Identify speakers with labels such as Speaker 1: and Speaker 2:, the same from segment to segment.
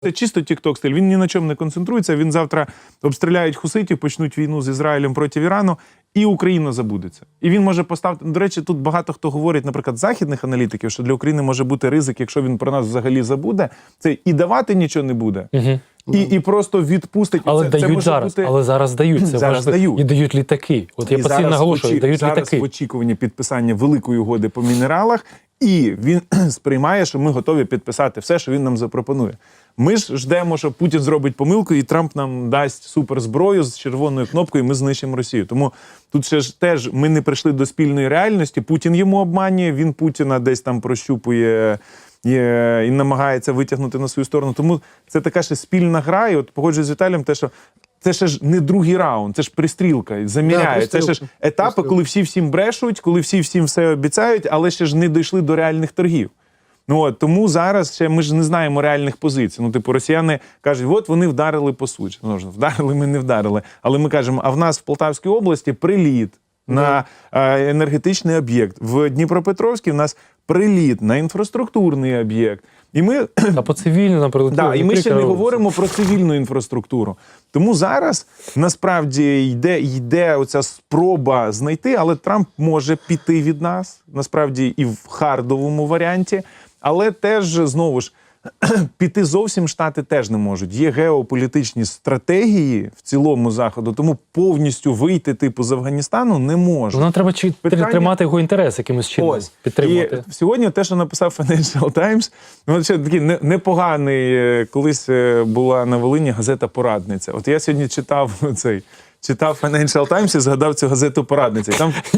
Speaker 1: Це чисто тік-ток-стиль, він ні на чому не концентрується, він завтра обстріляють хуситів, почнуть війну з Ізраїлем проти Ірану, і Україна забудеться. І він може поставити, до речі, тут багато хто говорить, наприклад, західних аналітиків, що для України може бути ризик, якщо він про нас взагалі забуде, це і давати нічого не буде, і просто відпустить.
Speaker 2: Але
Speaker 1: це
Speaker 2: дають
Speaker 1: може
Speaker 2: зараз,
Speaker 1: бути...
Speaker 2: але зараз дають. Це
Speaker 1: зараз дають.
Speaker 2: І дають літаки. От я постійно наголошую, дають літаки.
Speaker 1: Зараз в очікуванні підписання великої угоди по мінералах, і він сприймає, що ми готові підписати все, що він нам запропонує. Ми ж ждемо, що Путін зробить помилку, і Трамп нам дасть суперзброю з червоною кнопкою, і ми знищимо Росію. Тому тут ще ж теж ми не прийшли до спільної реальності. Путін йому обманює, він Путіна десь там прощупує і намагається витягнути на свою сторону. Тому це така ще спільна гра. І от погоджуюсь з Віталієм, те, що це ще ж не другий раунд, це ж пристрілка, заміряє. Це ще ж етапи, коли всі всім брешуть, коли всі всім все обіцяють, але ще ж не дійшли до реальних торгів. Тому зараз ще ми ж не знаємо реальних позицій. Типу, росіяни кажуть, от вони вдарили по суті. Вдарили, ми не вдарили. Але ми кажемо, а в нас в Полтавській області приліт на енергетичний об'єкт. В Дніпропетровській в нас приліт на інфраструктурний об'єкт. І ми...
Speaker 2: А по цивільному нам прилетіло.
Speaker 1: І ми ще не говоримо про цивільну інфраструктуру. Тому зараз, насправді, йде оця спроба знайти, але Трамп може піти від нас, насправді, і в хардовому варіанті. Але теж, знову ж, піти зовсім Штати теж не можуть. Є геополітичні стратегії в цілому Заходу, тому повністю вийти, типу, з Афганістану не може.
Speaker 2: Нам треба тримати його інтерес якимось чином, підтримувати.
Speaker 1: І сьогодні те, що написав Financial Times, ще такий непоганий, колись була на Волині газета «Порадниця». От я сьогодні читав Financial Times і згадав цю газету «Порадниця».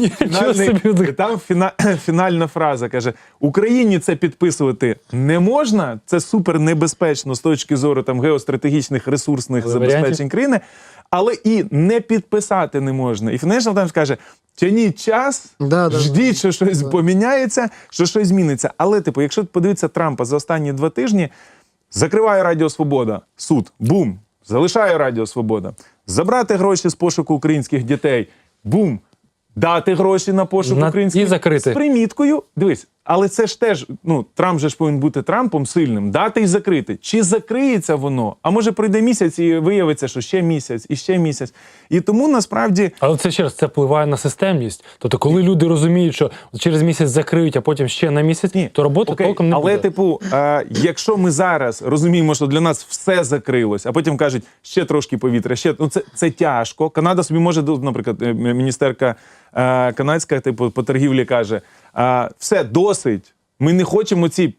Speaker 1: Там фінальна фраза, каже, Україні це підписувати не можна, це супер небезпечно з точки зору там геостратегічних ресурсних забезпечень країни, але і не підписати не можна. І Financial Times каже, тяніть час, ждіть, що щось поміняється, що щось зміниться. Але, типу, якщо подивитися Трампа за останні 2 тижні, закриває Радіо Свобода, суд, бум, залишає Радіо Свобода. Забрати гроші з пошуку українських дітей, бум, дати гроші на пошук українських дітей з приміткою. Дивись, але це ж теж, Трамп же ж повинен бути Трампом сильним, дати і закрити. Чи закриється воно? А може пройде місяць і виявиться, що ще місяць, і ще місяць. І тому насправді... Але
Speaker 2: це ще раз, це впливає на системність. Тобто, коли люди розуміють, що через місяць закриють, а потім ще на місяць, то роботи толком не буде.
Speaker 1: Але, типу, якщо ми зараз розуміємо, що для нас все закрилось, а потім кажуть, ще трошки повітря, це тяжко. Канада собі може, наприклад, міністерка канадська, типу, по торгівлі каже, все, досить, ми не хочемо ці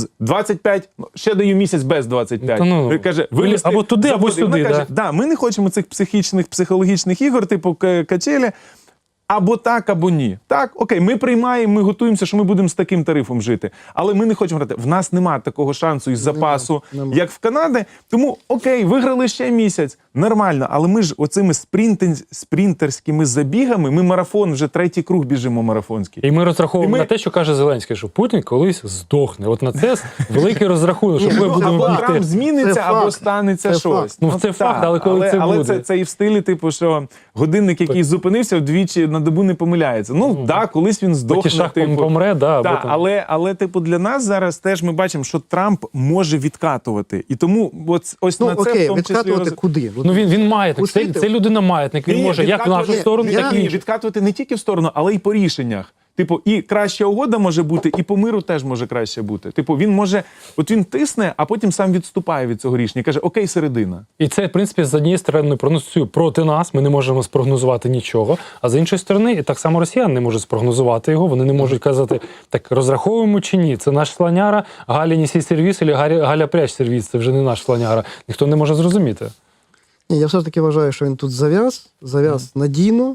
Speaker 1: 25, ще даю місяць без 25. Каже,
Speaker 2: або туди, або сюди.
Speaker 1: Каже, ми не хочемо цих психологічних ігор, типу качелі, або так, або ні. Так, окей, ми приймаємо, ми готуємося, що ми будемо з таким тарифом жити. Але ми не хочемо грати. В нас немає такого шансу із запасу, як в Канаді. Тому, окей, виграли ще місяць. Нормально. Але ми ж оцими спринтерськими забігами, ми марафон, вже 3-й круг біжимо марафонський.
Speaker 2: І ми розраховуємо на те, що каже Зеленський, що Путін колись здохне. От на це великий розрахунок, що ми будемо
Speaker 1: або Трамп зміниться, або станеться щось.
Speaker 2: Це факт, але коли це буде?
Speaker 1: Але це і в стилі, типу, що годинник, який зупинився, вдвічі на добу не помиляється. Колись він здохне.
Speaker 2: Помре,
Speaker 1: але, типу, для нас зараз теж ми бачимо, що Трамп може відкатувати. І тому ось на це в тому числі...
Speaker 3: відкатувати куди?
Speaker 2: Він маятник, це людина маятник, він може як в нашу сторону, так і іншу.
Speaker 1: Відкатувати не тільки в сторону, але й по рішеннях. Типу, і краща угода може бути, і по миру теж може краще бути. Типу, він може, він тисне, а потім сам відступає від цього рішення. Каже, окей, середина.
Speaker 2: І це, в принципі, з однієї сторони проносує проти нас, ми не можемо спрогнозувати нічого, а з іншої сторони, і так само росіяни не можуть спрогнозувати його, вони не можуть казати, так, розраховуємо чи ні, це наш слоняра, Галя неси сервіс, або Галя прячь сервіс, це вже не наш слоняра. Ніхто не може зрозуміти.
Speaker 3: Ні, я все ж таки вважаю, що він тут зав'яз надійно.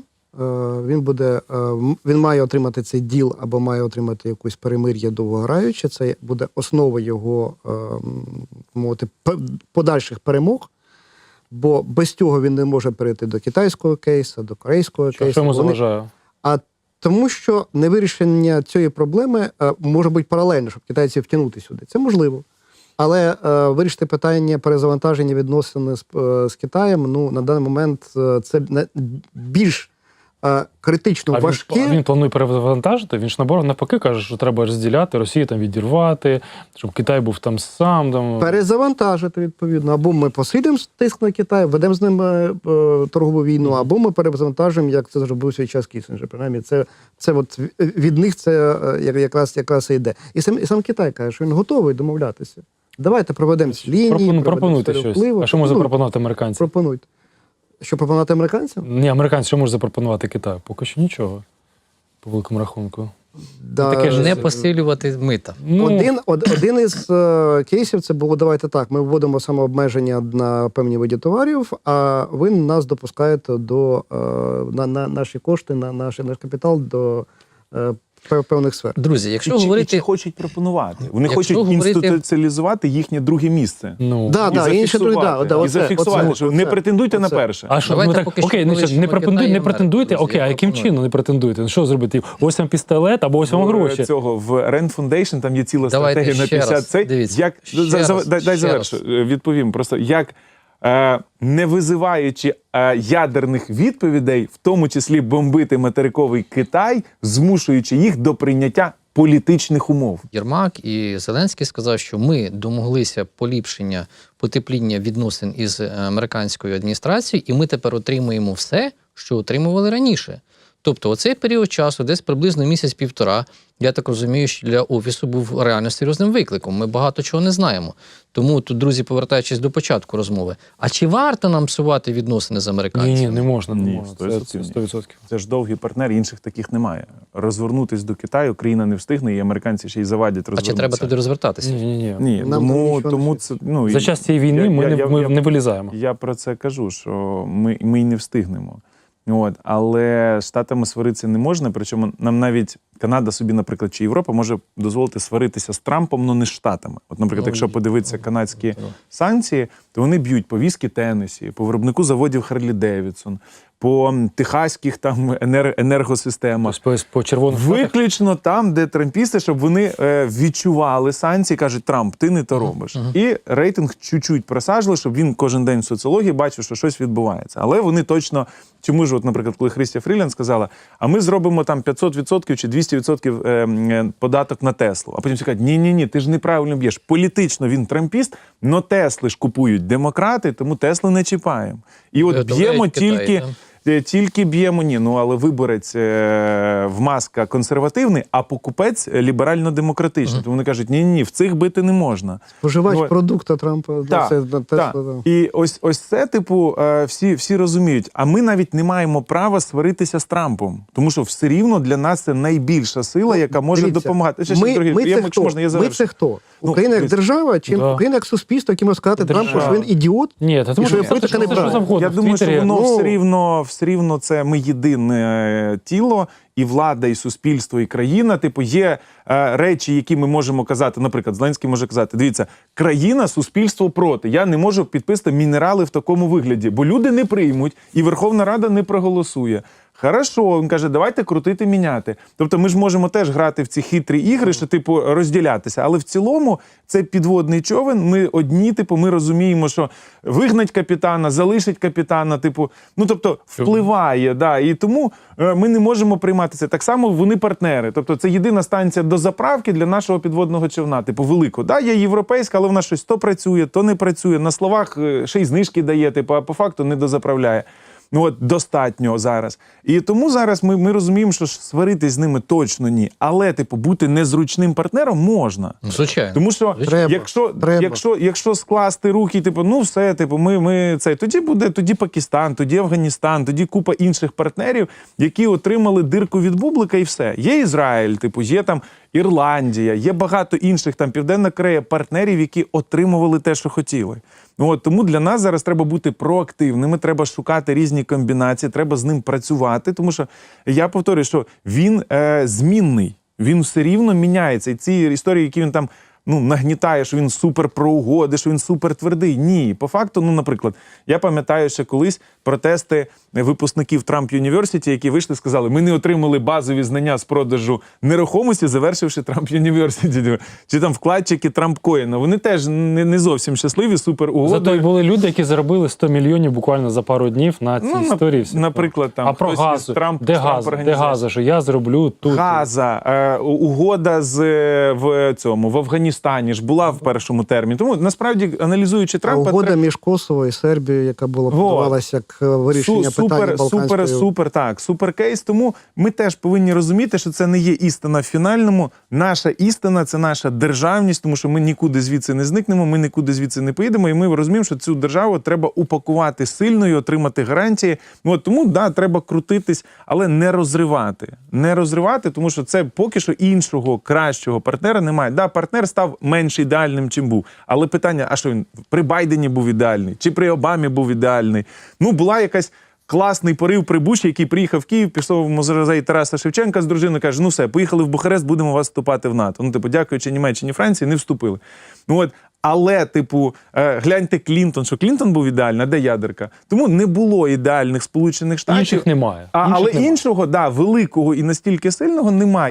Speaker 3: Він має отримати цей діл або має отримати якусь перемир'я довгограюче. Це буде основа його подальших перемог. Бо без цього він не може перейти до китайського кейсу, до корейського кейсу.
Speaker 2: Що йому заважає?
Speaker 3: Тому що невирішення цієї проблеми може бути паралельно, щоб китайців втягнути сюди. Це можливо. Але вирішити питання перезавантаження відносин з Китаєм, на даний момент це більш критично важке.
Speaker 2: Він планує перевантажити, він ж навпаки каже, що треба розділяти, Росію там відірвати, щоб Китай був там сам. Там...
Speaker 3: Перезавантажити, відповідно. Або ми посилимо тиск на Китай, ведемо з ним торгову війну, або ми перезавантажимо, як це зробив свій час Кісінджер. Принаймні, це от від них це якраз і йде. І сам Китай каже, що він готовий домовлятися. Давайте проведемо ці лінії,
Speaker 2: пропонуйте щось. А що може запропонувати американці?
Speaker 3: Пропонуйте. Що пропонувати американцям?
Speaker 2: Ні, американці що може запропонувати Китаю? Поки що нічого, по великому рахунку.
Speaker 3: Да,
Speaker 2: Таке ж
Speaker 4: Не посилювати мита.
Speaker 3: Один із кейсів це було, давайте так, ми вводимо самообмеження на певні види товарів, а ви нас допускаєте на наші кошти, на наш капітал до певних сфер.
Speaker 4: Друзі, якщо
Speaker 1: І
Speaker 4: говорити...
Speaker 1: хочуть пропонувати. Вони
Speaker 4: Якщо
Speaker 1: хочуть
Speaker 4: говорити-
Speaker 1: інституціалізувати їхнє друге місце.
Speaker 2: Ну,
Speaker 1: І
Speaker 3: інше
Speaker 1: зафіксувати, і зафіксувати, що не претендуйте на перше.
Speaker 2: а що,
Speaker 4: Давайте
Speaker 2: ми так,
Speaker 4: поки що
Speaker 2: окей,
Speaker 4: залишимо
Speaker 2: не
Speaker 4: Китай і
Speaker 2: не претендуйте,
Speaker 4: Америку,
Speaker 2: окей, а
Speaker 4: друзі,
Speaker 2: яким
Speaker 4: я пропоную.
Speaker 2: чином не претендуєте? Ну, що зробити? Ось вам пістолет, або ось вам гроші.
Speaker 1: Цього в Rand Foundation там є ціла
Speaker 4: Давайте
Speaker 1: стратегія на
Speaker 4: ще
Speaker 1: 50
Speaker 4: раз,
Speaker 1: цей.
Speaker 4: дивіться,
Speaker 1: Як дай завершу, відповім. Просто як не визиваючи ядерних відповідей, в тому числі бомбити материковий Китай, змушуючи їх до прийняття політичних умов.
Speaker 4: Єрмак і Зеленський сказав, що ми домоглися поліпшення, потепління відносин із американською адміністрацією, і ми тепер отримуємо все, що отримували раніше. Тобто оцей період часу, десь приблизно місяць-півтора, я так розумію, що для Офісу був реально серйозним викликом. Ми багато чого не знаємо. Тому тут, друзі, повертаючись до початку розмови, а чи варто нам псувати відносини з американцями?
Speaker 2: Ні, не можна.
Speaker 1: Ні,
Speaker 2: Це 100%.
Speaker 1: Це ж довгий партнер, інших таких немає. Розвернутись до Китаю країна не встигне, і американці ще й завадять
Speaker 4: А
Speaker 1: розвернутися.
Speaker 4: чи треба туди розвертатися?
Speaker 2: Ні.
Speaker 1: Ні,
Speaker 3: Нам
Speaker 1: тому це
Speaker 2: За час цієї війни ми не вилізаємо.
Speaker 1: Я про це кажу, що ми й не встигнемо. Але з Штатами сваритися не можна, причому нам навіть Канада собі, наприклад, чи Європа може дозволити сваритися з Трампом, але не з Штатами. От, наприклад, якщо подивитися канадські санкції, то вони б'ють по віскі Теннесі, по виробнику заводів Харлі Девідсон, по техаських там енергосистемах.
Speaker 2: По червоних
Speaker 1: Виключно там, де трампісти, щоб вони відчували санкції, кажуть, Трамп, ти не то робиш. І рейтинг чуть-чуть просажили, щоб він кожен день в соціології бачив, що щось відбувається. Але вони точно, чому ж, от, наприклад, коли Христя Фрілянд сказала, а ми зробимо там 500% чи 200% податок на Теслу. А потім всі кажуть, ні, ти ж неправильно б'єш. Політично він трампіст, но Тесли ж купують демократи, тому Тесли не чіпаємо. І от б'ємо тільки б'ємо, але виборець в Маска консервативний, а покупець ліберально-демократичний. Тому вони кажуть, ні, в цих бити не можна.
Speaker 3: Споживач продукту Трампа.
Speaker 1: Так. І ось це, всі розуміють. А ми навіть не маємо права сваритися з Трампом. Тому що все рівно для нас це найбільша сила, яка може допомагати.
Speaker 3: Ми це хто? Україна як держава, чи Україна як суспільство, яким може сказати Трампу, що він ідіот?
Speaker 2: Ні, тому що
Speaker 3: політика не правильна.
Speaker 1: Я думаю, що воно все рівно це ми єдине тіло, і влада, і суспільство, і країна. Є речі, які ми можемо казати, наприклад, Зеленський може казати, дивіться, країна, суспільство проти. Я не можу підписати мінерали в такому вигляді, бо люди не приймуть, і Верховна Рада не проголосує. Хорошо, він каже, давайте крутити, міняти. Тобто ми ж можемо теж грати в ці хитрі ігри, що, розділятися. Але в цілому це підводний човен, ми одні, ми розуміємо, що вигнать капітана, залишить капітана, тобто впливає, і тому ми не можемо приймати це. Так само вони партнери. Тобто це єдина станція до заправки для нашого підводного човна, великого. Є європейська, але вона щось то працює, то не працює. На словах ще й знижки дає, а по факту не дозаправляє. Достатньо зараз. І тому зараз ми розуміємо, що сваритись з ними точно ні. Але, бути незручним партнером можна.
Speaker 4: Звичайно.
Speaker 1: Тому що якщо скласти руки, все, ми це, тоді Пакистан, тоді Афганістан, тоді купа інших партнерів, які отримали дирку від бублика і все. Є Ізраїль, є там Ірландія, є багато інших, Південна Корея, партнерів, які отримували те, що хотіли. Тому для нас зараз треба бути проактивними, треба шукати різні комбінації, треба з ним працювати, тому що, я повторюю, що він змінний, він все рівно міняється. І ці історії, які він там нагнітає, що він супер про угоди, що він супер твердий. Ні, по факту, наприклад, я пам'ятаю, що колись протести випускників Трамп Юніверситі, які вийшли, сказали, ми не отримали базові знання з продажу нерухомості, завершивши Трамп Юніверситі. Чи там вкладчики Трамп Коїна. Вони теж не зовсім щасливі, супер угоди.
Speaker 2: Зато й були люди, які заробили 100 мільйонів буквально за пару днів на цій історії.
Speaker 1: Наприклад, там
Speaker 2: а про
Speaker 1: хтось
Speaker 2: газ,
Speaker 1: із Трамп,
Speaker 2: де газ, що я зроблю тут.
Speaker 1: Газа, угода в Афганістані ж була в першому терміні. Тому насправді, аналізуючи Трампа...
Speaker 3: угода між Коsovo і Сербією, яка була подавалася як вирішення питання Балканської...
Speaker 1: Супер кейс. Тому ми теж повинні розуміти, що це не є істина в фінальному. Наша істина – це наша державність, тому що ми нікуди звідси не зникнемо, ми нікуди звідси не поїдемо, і ми розуміємо, що цю державу треба упакувати сильною, отримати гарантії. Тому, треба крутитись, але не розривати. Не розривати, тому що це поки що іншого, кращого партнера немає. Партнер став менш ідеальним, чим був. Але питання, а що він при Байдені був ідеальний? Чи при Обамі був ідеальний? Була якась класний порив при Буші, який приїхав в Київ, пішов в музей Тараса Шевченка з дружиною, каже, все, поїхали в Бухарест, будемо вас вступати в НАТО. Дякуючи Німеччині, Франції, не вступили. Але, гляньте Клінтон, що Клінтон був ідеальний, а де ядерка? Тому не було ідеальних Сполучених Штатів.
Speaker 2: Інших немає.
Speaker 1: Але іншого, великого і настільки сильного немає.